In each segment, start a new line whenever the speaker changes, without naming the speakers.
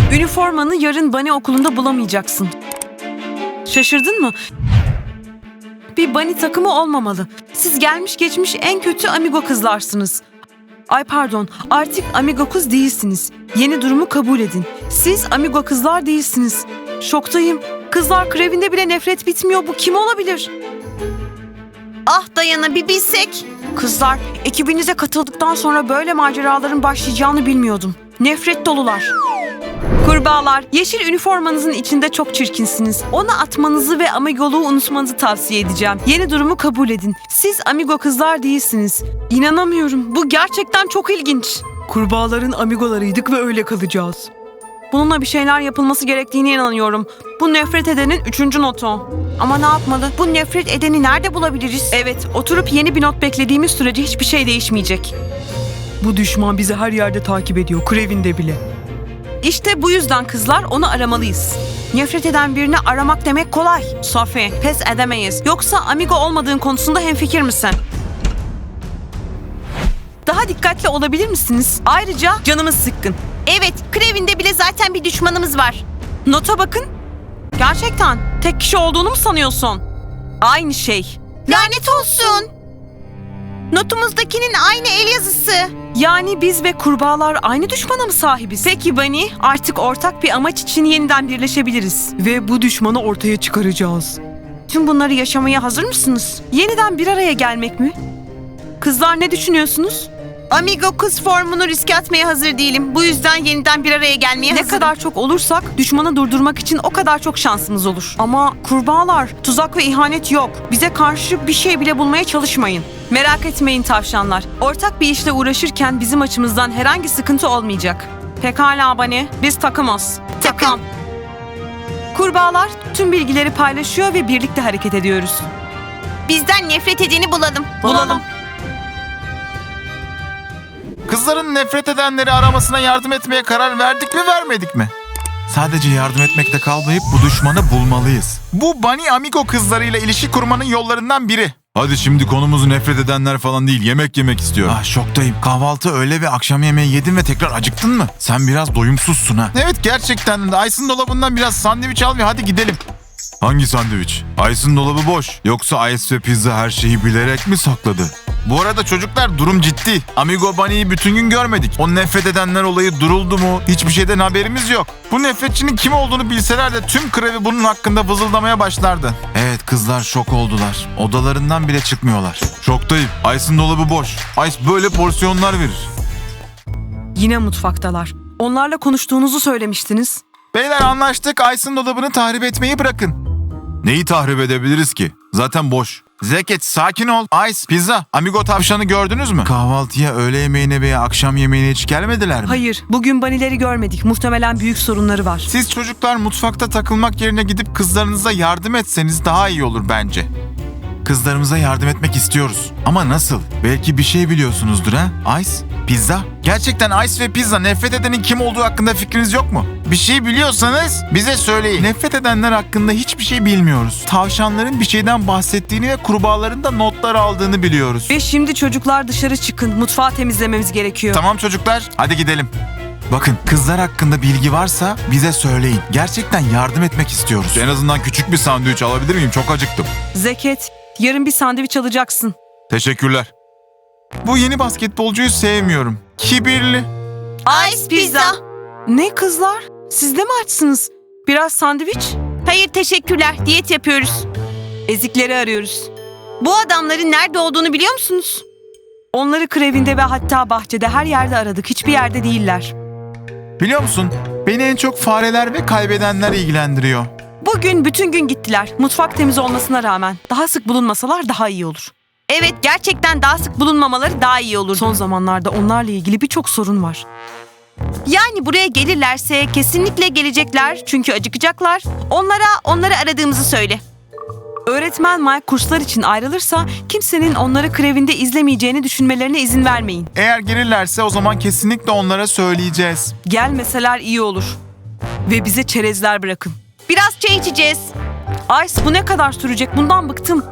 Üniformanı yarın Bunny okulunda bulamayacaksın. Şaşırdın mı? Bir Bunny takımı olmamalı. Siz gelmiş geçmiş en kötü amigo kızlarsınız. Ay pardon, artık amigo kız değilsiniz. Yeni durumu kabul edin. Siz amigo kızlar değilsiniz. Şoktayım. Kızlar krevinde bile nefret bitmiyor. Bu kim olabilir? Ah Dayana, bir bilsek. Kızlar, ekibinize katıldıktan sonra böyle maceraların başlayacağını bilmiyordum. Nefret dolular. Kurbağalar, yeşil üniformanızın içinde çok çirkinsiniz. Onu atmanızı ve amigoluğu unutmanızı tavsiye edeceğim. Yeni durumu kabul edin. Siz amigo kızlar değilsiniz. İnanamıyorum. Bu gerçekten çok ilginç. Kurbağaların amigolarıydık ve öyle kalacağız. Bununla bir şeyler yapılması gerektiğine inanıyorum. Bu nefret edenin 3. notu. Ama ne yapmalı? Bu nefret edeni nerede bulabiliriz? Evet, oturup yeni bir not beklediğimiz sürece hiçbir şey değişmeyecek. Bu düşman bizi her yerde takip ediyor, krevinde bile. İşte bu yüzden kızlar onu aramalıyız. Nefret eden birini aramak demek kolay. Sophie, pes edemeyiz. Yoksa amigo olmadığın konusunda hemfikir misin? Daha dikkatli olabilir misiniz? Ayrıca canımız sıkkın. Evet, krevinde bile zaten bir düşmanımız var. Nota bakın. Gerçekten tek kişi olduğunu mu sanıyorsun? Aynı şey. Lanet olsun. Notumuzdakinin aynı el yazısı. Yani biz ve kurbağalar aynı düşmana mı sahibiz? Peki Bunny, artık ortak bir amaç için yeniden birleşebiliriz. Ve bu düşmanı ortaya çıkaracağız. Tüm bunları yaşamaya hazır mısınız? Yeniden bir araya gelmek mi? Kızlar, ne düşünüyorsunuz? Amigo kız formunu riske atmaya hazır değilim. Bu yüzden yeniden bir araya gelmeye hazırım. Ne kadar çok olursak düşmanı durdurmak için o kadar çok şansımız olur. Ama kurbağalar, tuzak ve ihanet yok. Bize karşı bir şey bile bulmaya çalışmayın. Merak etmeyin tavşanlar. Ortak bir işle uğraşırken bizim açımızdan herhangi sıkıntı olmayacak. Pekala Bunny, biz takımız. Takım. Kurbağalar tüm bilgileri paylaşıyor ve birlikte hareket ediyoruz. Bizden nefret edeni bulalım. Bulalım.
Kızların nefret edenleri aramasına yardım etmeye karar verdik mi vermedik mi? Sadece yardım etmekte kalmayıp bu düşmanı bulmalıyız. Bu Bunny Amigo kızlarıyla ilişki kurmanın yollarından biri. Hadi şimdi konumuz nefret edenler falan değil, yemek yemek istiyor. Ah şoktayım. Kahvaltı, öğle ve akşam yemeği yedin ve tekrar acıktın mı? Sen biraz doyumsuzsun ha. Evet gerçekten de. Ice'ın dolabından biraz sandviç al ve hadi gidelim. Hangi sandviç? Ice'ın dolabı boş. Yoksa Ice ve Pizza her şeyi bilerek mi sakladı? Bu arada çocuklar, durum ciddi. Amigo Bunny'yi bütün gün görmedik. O nefret edenler olayı duruldu mu? Hiçbir şeyden haberimiz yok. Bu nefretçinin kim olduğunu bilseler de tüm krevi bunun hakkında vızıldamaya başlardı. Evet, kızlar şok oldular. Odalarından bile çıkmıyorlar. Şoktayım. Ice'ın dolabı boş. Ice böyle porsiyonlar verir.
Yine mutfaktalar. Onlarla konuştuğunuzu söylemiştiniz.
Beyler anlaştık. Ice'ın dolabını tahrip etmeyi bırakın. Neyi tahrip edebiliriz ki? Zaten boş. Zeket, sakin ol. Ice, Pizza, Amigo tavşanı gördünüz mü? Kahvaltıya, öğle yemeğine veya akşam yemeğine hiç gelmediler mi?
Hayır, bugün Bunny'leri görmedik. Muhtemelen büyük sorunları var.
Siz çocuklar mutfakta takılmak yerine gidip kızlarınıza yardım etseniz daha iyi olur bence. Kızlarımıza yardım etmek istiyoruz. Ama nasıl? Belki bir şey biliyorsunuzdur ha? Ice, Pizza. Gerçekten Ice ve Pizza, nefret edenin kim olduğu hakkında fikriniz yok mu? Bir şey biliyorsanız bize söyleyin. Nefret edenler hakkında hiçbir şey bilmiyoruz. Tavşanların bir şeyden bahsettiğini ve kurbağaların da notlar aldığını biliyoruz.
Ve şimdi çocuklar dışarı çıkın. Mutfağı temizlememiz gerekiyor.
Tamam çocuklar, hadi gidelim. Bakın, kızlar hakkında bilgi varsa bize söyleyin. Gerçekten yardım etmek istiyoruz. En azından küçük bir sandviç alabilir miyim? Çok acıktım.
Zeket, yarın bir sandviç alacaksın.
Teşekkürler. Bu yeni basketbolcuyu sevmiyorum. Kibirli.
Ice pizza.
Ne kızlar? Siz de mi açsınız? Biraz sandviç?
Hayır teşekkürler. Diyet yapıyoruz.
Ezikleri arıyoruz.
Bu adamların nerede olduğunu biliyor musunuz?
Onları krevinde ve hatta bahçede her yerde aradık. Hiçbir yerde değiller.
Biliyor musun? Beni en çok fareler ve kaybedenler ilgilendiriyor.
Bugün bütün gün gittiler. Mutfak temiz olmasına rağmen. Daha sık bulunmasalar daha iyi olur.
Evet gerçekten daha sık bulunmamaları daha iyi olur.
Son zamanlarda onlarla ilgili birçok sorun var.
Yani buraya gelirlerse kesinlikle gelecekler çünkü acıkacaklar. Onları aradığımızı söyle.
Öğretmen Mike kurslar için ayrılırsa kimsenin onları krevinde izlemeyeceğini düşünmelerine izin vermeyin.
Eğer gelirlerse o zaman kesinlikle onlara söyleyeceğiz.
Gelmeseler iyi olur. Ve bize çerezler bırakın.
Biraz çay içeceğiz.
Ice, bu ne kadar sürecek? Bundan bıktım.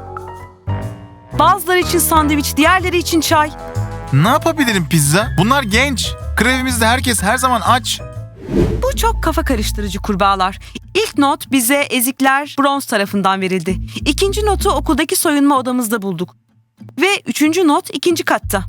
Bazıları için sandviç, diğerleri için çay.
Ne yapabilirim Pizza? Bunlar genç. Krevimizde herkes her zaman aç.
Bu çok kafa karıştırıcı kurbağalar. İlk not bize ezikler bronz tarafından verildi. İkinci notu okuldaki soyunma odamızda bulduk. Ve üçüncü not ikinci katta.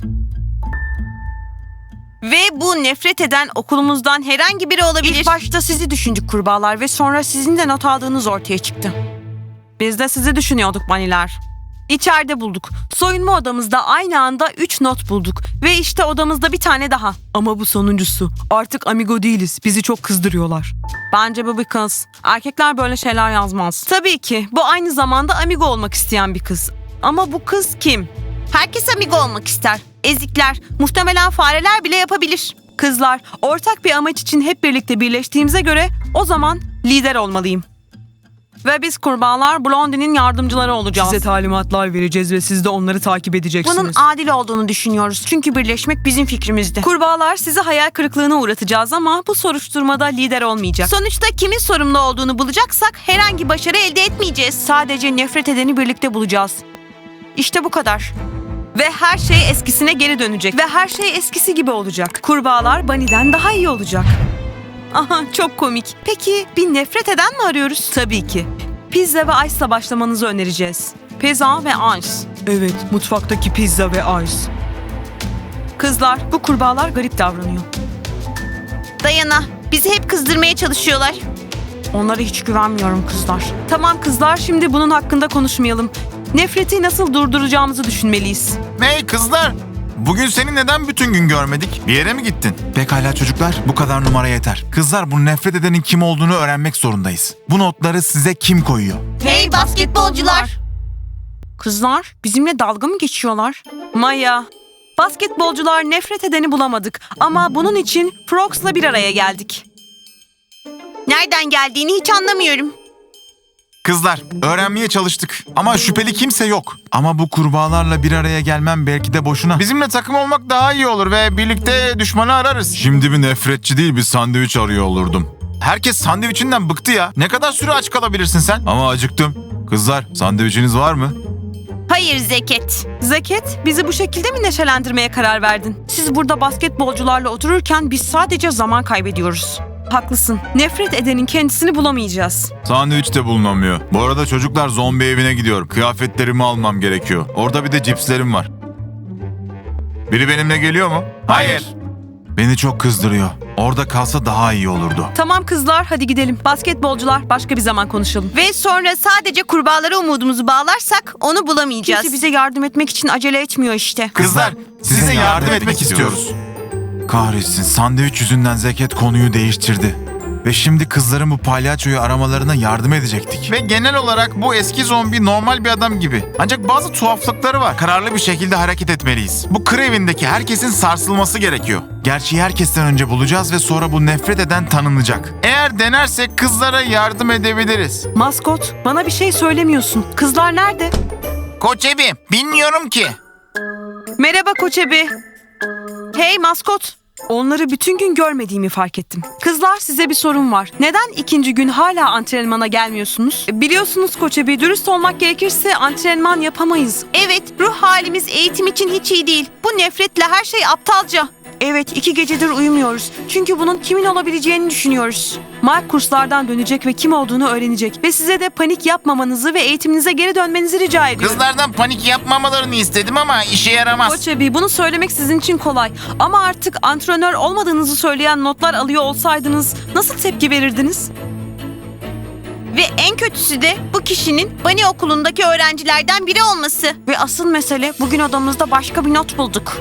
Ve bu nefret eden okulumuzdan herhangi biri olabilir.
İlk başta sizi düşündük kurbağalar ve sonra sizin de not aldığınız ortaya çıktı. Biz de sizi düşünüyorduk baniler. İçeride bulduk. Soyunma odamızda aynı anda 3 not bulduk. Ve işte odamızda bir tane daha. Ama bu sonuncusu. Artık amigo değiliz. Bizi çok kızdırıyorlar. Bence bu bir kız. Erkekler böyle şeyler yazmaz. Tabii ki. Bu aynı zamanda amigo olmak isteyen bir kız. Ama bu kız kim?
Herkes amigo olmak ister. Ezikler, muhtemelen fareler bile yapabilir.
Kızlar, ortak bir amaç için hep birlikte birleştiğimize göre o zaman lider olmalıyım. Ve biz kurbağalar Blondie'nin yardımcıları olacağız. Size talimatlar vereceğiz ve siz de onları takip edeceksiniz.
Bunun adil olduğunu düşünüyoruz. Çünkü birleşmek bizim fikrimizdi.
Kurbağalar sizi hayal kırıklığına uğratacağız ama bu soruşturmada lider olmayacak.
Sonuçta kimin sorumlu olduğunu bulacaksak herhangi başarı elde etmeyeceğiz.
Sadece nefret edeni birlikte bulacağız. İşte bu kadar. Ve her şey eskisine geri dönecek. Ve her şey eskisi gibi olacak. Kurbağalar Bunny'den daha iyi olacak. Aha, çok komik. Peki bir nefret eden mi arıyoruz? Tabii ki. Pizza ve ice'la başlamanızı önereceğiz. Pizza ve ice. Evet, mutfaktaki pizza ve ice. Kızlar, bu kurbağalar garip davranıyor.
Dayana, bizi hep kızdırmaya çalışıyorlar.
Onlara hiç güvenmiyorum kızlar. Tamam kızlar, şimdi bunun hakkında konuşmayalım. Nefreti nasıl durduracağımızı düşünmeliyiz.
Hey kızlar! Bugün seni neden bütün gün görmedik? Bir yere mi gittin? Pekala çocuklar, bu kadar numara yeter. Kızlar, bu nefret edenin kim olduğunu öğrenmek zorundayız. Bu notları size kim koyuyor?
Hey basketbolcular!
Kızlar, bizimle dalga mı geçiyorlar? Maya, basketbolcular nefret edeni bulamadık ama bunun için Frogs'la bir araya geldik.
Nereden geldiğini hiç anlamıyorum.
Kızlar, öğrenmeye çalıştık. Ama şüpheli kimse yok. Ama bu kurbağalarla bir araya gelmem belki de boşuna. Bizimle takım olmak daha iyi olur ve birlikte düşmanı ararız. Şimdi bir nefretçi değil bir sandviç arıyor olurdum. Herkes sandviçinden bıktı ya. Ne kadar süre aç kalabilirsin sen? Ama acıktım. Kızlar, sandviçiniz var mı?
Hayır Zeket.
Zeket, bizi bu şekilde mi neşelendirmeye karar verdin? Siz burada basketbolcularla otururken biz sadece zaman kaybediyoruz. Haklısın. Nefret edenin kendisini bulamayacağız.
Sandviç de bulunamıyor. Bu arada çocuklar zombi evine gidiyor. Kıyafetlerimi almam gerekiyor. Orada bir de cipslerim var. Biri benimle geliyor mu? Hayır. Beni çok kızdırıyor. Orada kalsa daha iyi olurdu.
Tamam kızlar, hadi gidelim. Basketbolcular, başka bir zaman konuşalım.
Ve sonra sadece kurbağalara umudumuzu bağlarsak onu bulamayacağız.
Kimse bize yardım etmek için acele etmiyor işte.
Kızlar, size yardım etmek istiyoruz. Kahretsin, sandviç yüzünden Zeket konuyu değiştirdi. Ve şimdi kızların bu palyaçoyu aramalarına yardım edecektik. Ve genel olarak bu eski zombi normal bir adam gibi. Ancak bazı tuhaflıkları var. Kararlı bir şekilde hareket etmeliyiz. Bu kır evindeki herkesin sarsılması gerekiyor. Gerçeği herkesten önce bulacağız ve sonra bu nefret eden tanınacak. Eğer denersek kızlara yardım edebiliriz.
Maskot, bana bir şey söylemiyorsun. Kızlar nerede?
Koç Ebi, bilmiyorum ki.
Merhaba Koç Ebi. Hey maskot. Onları bütün gün görmediğimi fark ettim. Kızlar, size bir sorun var. Neden ikinci gün hala antrenmana gelmiyorsunuz? Biliyorsunuz Koç Ebi, dürüst olmak gerekirse antrenman yapamayız.
Evet, ruh halimiz eğitim için hiç iyi değil. Bu nefretle her şey aptalca.
Evet, 2 gecedir uyumuyoruz. Çünkü bunun kimin olabileceğini düşünüyoruz. Mike kurslardan dönecek ve kim olduğunu öğrenecek. Ve size de panik yapmamanızı ve eğitiminize geri dönmenizi rica ediyorum.
Kızlardan panik yapmamalarını istedim ama işe yaramaz.
Koç Ebi, bunu söylemek sizin için kolay. Ama artık antrenör olmadığınızı söyleyen notlar alıyor olsaydınız nasıl tepki verirdiniz?
Ve en kötüsü de bu kişinin Bunny okulundaki öğrencilerden biri olması.
Ve asıl mesele, bugün odamızda başka bir not bulduk.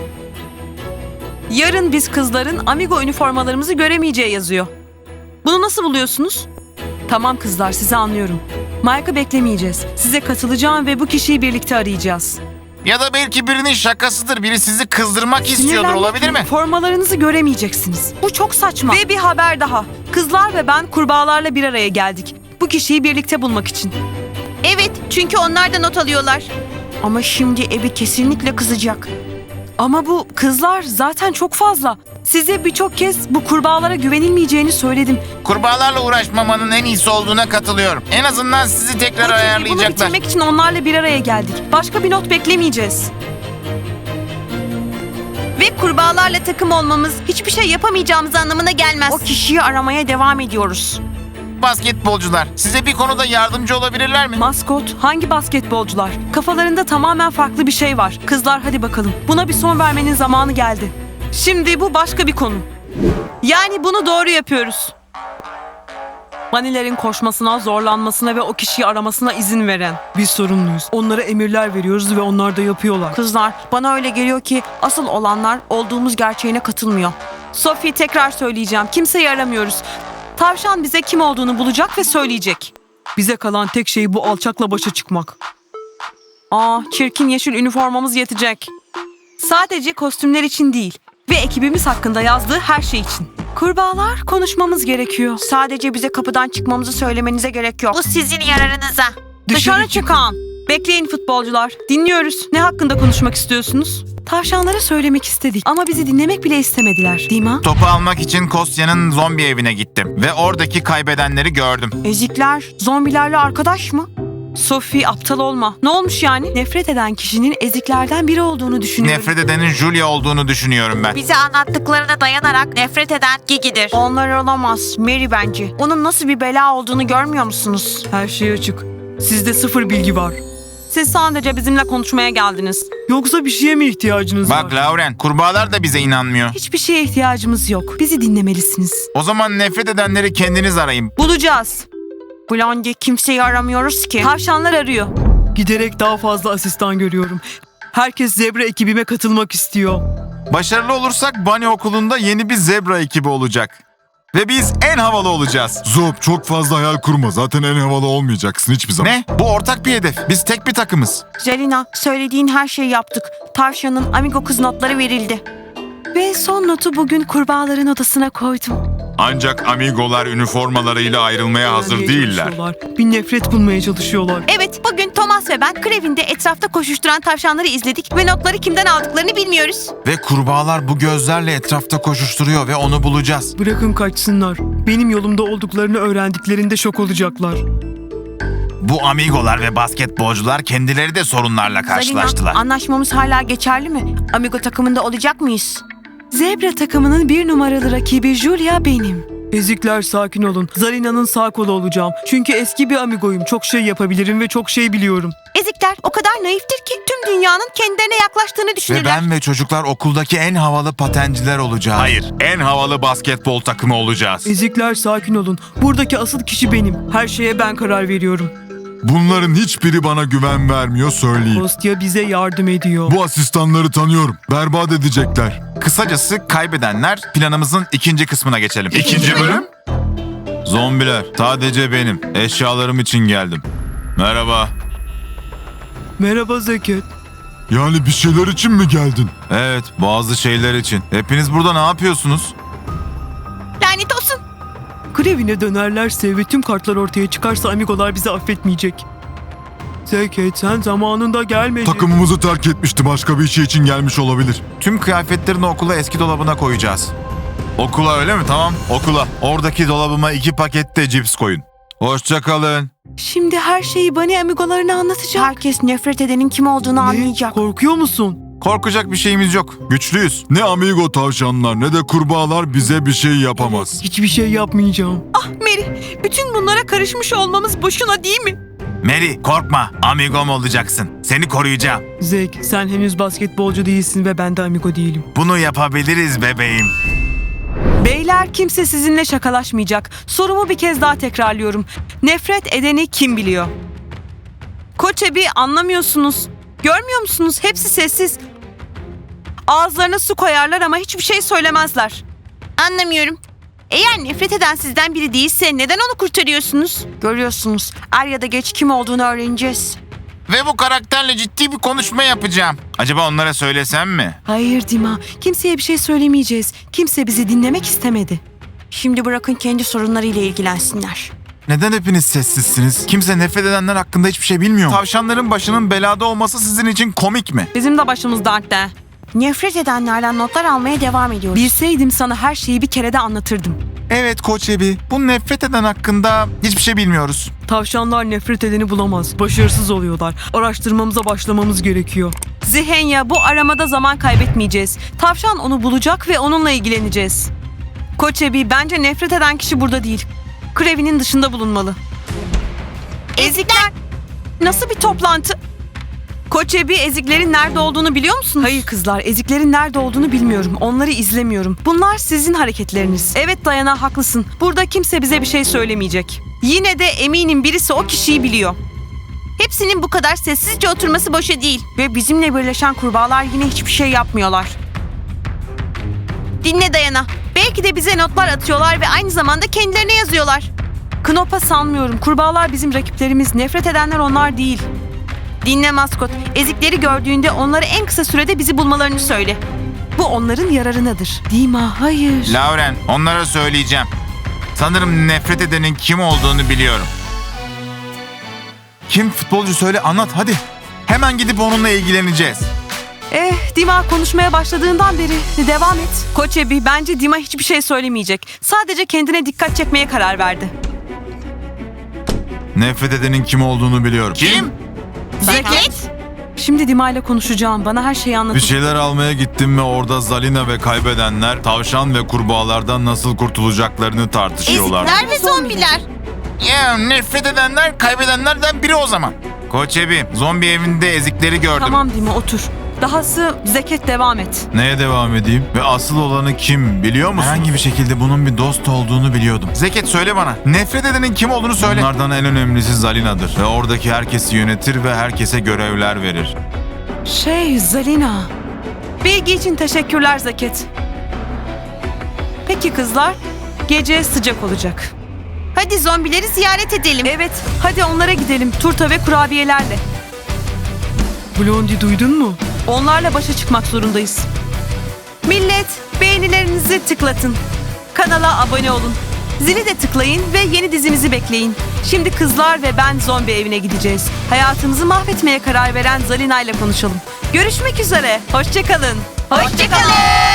Yarın biz kızların amigo üniformalarımızı göremeyeceği yazıyor. Bunu nasıl buluyorsunuz? Tamam kızlar, sizi anlıyorum. Mike'ı beklemeyeceğiz. Size katılacağım ve bu kişiyi birlikte arayacağız.
Ya da belki birinin şakasıdır. Biri sizi kızdırmak istiyordur,
Sinirlenmek
olabilir mi?
Formalarınızı göremeyeceksiniz. Bu çok saçma. Ve bir haber daha. Kızlar ve ben kurbağalarla bir araya geldik. Bu kişiyi birlikte bulmak için.
Evet, çünkü onlar da not alıyorlar.
Ama şimdi Ebi kesinlikle kızacak. Ama bu kızlar zaten çok fazla. Size birçok kez bu kurbağalara güvenilmeyeceğini söyledim.
Kurbağalarla uğraşmamanın en iyisi olduğuna katılıyorum. En azından sizi tekrar
Bunu
ayarlayacaklar.
bitirmek için onlarla bir araya geldik. Başka bir not beklemeyeceğiz.
Ve kurbağalarla takım olmamız hiçbir şey yapamayacağımız anlamına gelmez.
O kişiyi aramaya devam ediyoruz.
Basketbolcular size bir konuda yardımcı olabilirler mi?
Maskot, hangi basketbolcular? Kafalarında tamamen farklı bir şey var. Kızlar hadi bakalım. Buna bir son vermenin zamanı geldi. Şimdi bu başka bir konu. Yani bunu doğru yapıyoruz. Banilerin koşmasına, zorlanmasına ve o kişiyi aramasına izin veren. Biz sorumluyuz. Onlara emirler veriyoruz ve onlar da yapıyorlar. Kızlar, bana öyle geliyor ki asıl olanlar olduğumuz gerçeğine katılmıyor. Sophie, tekrar söyleyeceğim. Kimseyi aramıyoruz. Tavşan bize kim olduğunu bulacak ve söyleyecek. Bize kalan tek şey bu alçakla başa çıkmak. Çirkin yeşil üniformamız yetecek. Sadece kostümler için değil ve ekibimiz hakkında yazdığı her şey için. Kurbağalar, konuşmamız gerekiyor.
Sadece bize kapıdan çıkmamızı söylemenize gerek yok. Bu sizin yararınıza.
Dışarı çıkan. Bekleyin futbolcular. Dinliyoruz. Ne hakkında konuşmak istiyorsunuz? Tavşanlara söylemek istedik ama bizi dinlemek bile istemediler. Değil mi?
Topu almak için Kostya'nın zombi evine gittim ve oradaki kaybedenleri gördüm.
Ezikler, zombilerle arkadaş mı? Sophie, aptal olma. Ne olmuş yani? Nefret eden kişinin eziklerden biri olduğunu düşünüyorum.
Nefret edenin Julia olduğunu düşünüyorum ben.
Bize anlattıklarına dayanarak nefret eden Gigi'dir.
Onlar olamaz. Mary bence. Onun nasıl bir bela olduğunu görmüyor musunuz? Her şey açık. Sizde sıfır bilgi var. Siz sadece bizimle konuşmaya geldiniz. Yoksa bir şeye mi ihtiyacınız var?
Bak Lauren, kurbağalar da bize inanmıyor.
Hiçbir şeye ihtiyacımız yok. Bizi dinlemelisiniz.
O zaman nefret edenleri kendiniz arayın.
Bulacağız. Blondie, kimseyi aramıyoruz ki. Tavşanlar arıyor. Giderek daha fazla asistan görüyorum. Herkes zebra ekibime katılmak istiyor.
Başarılı olursak Bunny okulunda yeni bir zebra ekibi olacak. Ve biz en havalı olacağız.
Zop, çok fazla hayal kurma. Zaten en havalı olmayacaksın hiçbir zaman.
Ne? Bu ortak bir hedef. Biz tek bir takımız.
Zelina, söylediğin her şeyi yaptık. Tavşanın Amigo kız notları verildi. Ve son notu bugün kurbağaların odasına koydum.
Ancak amigolar üniformalarıyla ayrılmaya hazır değiller.
Bir nefret bulmaya çalışıyorlar.
Evet, bugün Thomas ve ben Krevin'de etrafta koşuşturan tavşanları izledik ve notları kimden aldıklarını bilmiyoruz.
Ve kurbağalar bu gözlerle etrafta koşuşturuyor ve onu bulacağız.
Bırakın kaçsınlar. Benim yolumda olduklarını öğrendiklerinde şok olacaklar.
Bu amigolar ve basketbolcular kendileri de sorunlarla karşılaştılar.
Zelina, anlaşmamız hala geçerli mi? Amigo takımında olacak mıyız? Zebra takımının bir numaralı rakibi Julia benim. Ezikler, sakin olun. Zalina'nın sağ kolu olacağım. Çünkü eski bir amigoyum. Çok şey yapabilirim ve çok şey biliyorum.
Ezikler o kadar naiftir ki tüm dünyanın kendilerine yaklaştığını
Ve
düşünürler.
ben ve çocuklar okuldaki en havalı patenciler olacağız.
Hayır, en havalı basketbol takımı olacağız.
Ezikler, sakin olun. Buradaki asıl kişi benim. Her şeye ben karar veriyorum.
Bunların hiçbiri bana güven vermiyor söyleyeyim.
Kostya bize yardım ediyor.
Bu asistanları tanıyorum. Berbat edecekler.
Kısacası kaybedenler planımızın ikinci kısmına geçelim.
İkinci bölüm?
Zombiler, sadece benim. Eşyalarım için geldim. Merhaba.
Merhaba Zeket.
Yani bir şeyler için mi geldin?
Evet, bazı şeyler için. Hepiniz burada ne yapıyorsunuz?
Lanet olsun.
Krevine dönerlerse ve tüm kartlar ortaya çıkarsa amigolar bizi affetmeyecek. Zeket, sen zamanında gelmedin.
Takımımızı terk etmişti. Başka bir şey için gelmiş olabilir.
Tüm kıyafetlerini okula eski dolabına koyacağız. Okula öyle mi? Tamam, okula. Oradaki dolabıma 2 paket de cips koyun. Hoşça kalın.
Şimdi her şeyi Bunny amigolarına anlatacak. Herkes nefret edenin kim olduğunu anlayacak. Korkuyor musun?
Korkacak bir şeyimiz yok. Güçlüyüz.
Ne amigo tavşanlar ne de kurbağalar bize bir şey yapamaz.
Hiçbir şey yapmayacağım.
Ah Mary, bütün bunlara karışmış olmamız boşuna değil mi?
Mary, korkma. Amigom olacaksın. Seni koruyacağım.
Zek, sen henüz basketbolcu değilsin ve ben de amigo değilim.
Bunu yapabiliriz bebeğim.
Beyler, kimse sizinle şakalaşmayacak. Sorumu bir kez daha tekrarlıyorum. Nefret edeni kim biliyor? Koçebi, anlamıyorsunuz. Görmüyor musunuz? Hepsi sessiz. Ağızlarına su koyarlar ama hiçbir şey söylemezler.
Anlamıyorum. Eğer nefret eden sizden biri değilse neden onu kurtarıyorsunuz?
Görüyorsunuz. Er ya da geç kim olduğunu öğreneceğiz.
Ve bu karakterle ciddi bir konuşma yapacağım. Acaba onlara söylesem mi?
Hayır Dima, kimseye bir şey söylemeyeceğiz. Kimse bizi dinlemek istemedi. Şimdi bırakın kendi sorunlarıyla ilgilensinler.
Neden hepiniz sessizsiniz? Kimse nefret edenler hakkında hiçbir şey bilmiyor mu? Tavşanların başının belada olması sizin için komik mi?
Bizim de başımız dertte.
Nefret edenlerden notlar almaya devam ediyoruz.
Bilseydim sana her şeyi bir kerede anlatırdım.
Evet Koç Ebi, bu nefret eden hakkında hiçbir şey bilmiyoruz.
Tavşanlar nefret edeni bulamaz. Başarısız oluyorlar. Araştırmamıza başlamamız gerekiyor. Zihenya, bu aramada zaman kaybetmeyeceğiz. Tavşan onu bulacak ve onunla ilgileneceğiz. Koç Ebi, bence nefret eden kişi burada değil. Krevi'nin dışında bulunmalı.
Ezikler.
Nasıl bir toplantı? Koç Ebi, eziklerin nerede olduğunu biliyor musunuz? Hayır kızlar, eziklerin nerede olduğunu bilmiyorum. Onları izlemiyorum. Bunlar sizin hareketleriniz. Evet Dayana, haklısın. Burada kimse bize bir şey söylemeyecek. Yine de eminim birisi o kişiyi biliyor.
Hepsinin bu kadar sessizce oturması boşa değil.
Ve bizimle birleşen kurbağalar yine hiçbir şey yapmıyorlar.
Dinle Dayana. Belki de bize notlar atıyorlar ve aynı zamanda kendilerine yazıyorlar.
Knopa sanmıyorum. Kurbağalar bizim rakiplerimiz. Nefret edenler onlar değil.
Dinle maskot. Ezikleri gördüğünde onlara en kısa sürede bizi bulmalarını söyle.
Bu onların yararınadır. Dima, hayır.
Lauren, onlara söyleyeceğim. Sanırım nefret edenin kim olduğunu biliyorum. Kim futbolcu söyle anlat hadi. Hemen gidip onunla ilgileneceğiz.
Dima konuşmaya başladığından beri devam et. Koç Ebi, bence Dima hiçbir şey söylemeyecek. Sadece kendine dikkat çekmeye karar verdi.
Nefret edenin kim olduğunu biliyorum.
Kim?
Zeket.
Şimdi Dima ile konuşacağım. Bana her şeyi anlatın.
Bir şeyler almaya gittim ve orada Zalina ve kaybedenler tavşan ve kurbağalardan nasıl kurtulacaklarını tartışıyorlar.
Ezikler ve zombiler.
Ya nefret edenler kaybedenlerden biri o zaman. Koç Ebi, zombi evinde ezikleri gördüm.
Tamam Dima, otur. Dahası Zeket, devam et.
Neye devam edeyim? Ve asıl olanı kim biliyor musun?
Herhangi bir şekilde bunun bir dost olduğunu biliyordum. Zeket söyle bana. Nefret edenin kim olduğunu söyle.
Bunlardan en önemlisi Zalina'dır. Ve oradaki herkesi yönetir ve herkese görevler verir.
Zalina. Bilgi için teşekkürler Zeket. Peki kızlar, gece sıcak olacak.
Hadi zombileri ziyaret edelim.
Evet, hadi onlara gidelim. Turta ve kurabiyelerle. Blondie, duydun mu? Onlarla başa çıkmak zorundayız. Millet, beğenilerinizi tıklatın. Kanala abone olun. Zili de tıklayın ve yeni dizimizi bekleyin. Şimdi kızlar ve ben zombi evine gideceğiz. Hayatımızı mahvetmeye karar veren Zalina ile konuşalım. Görüşmek üzere. Hoşça kalın.
Hoşçakalın.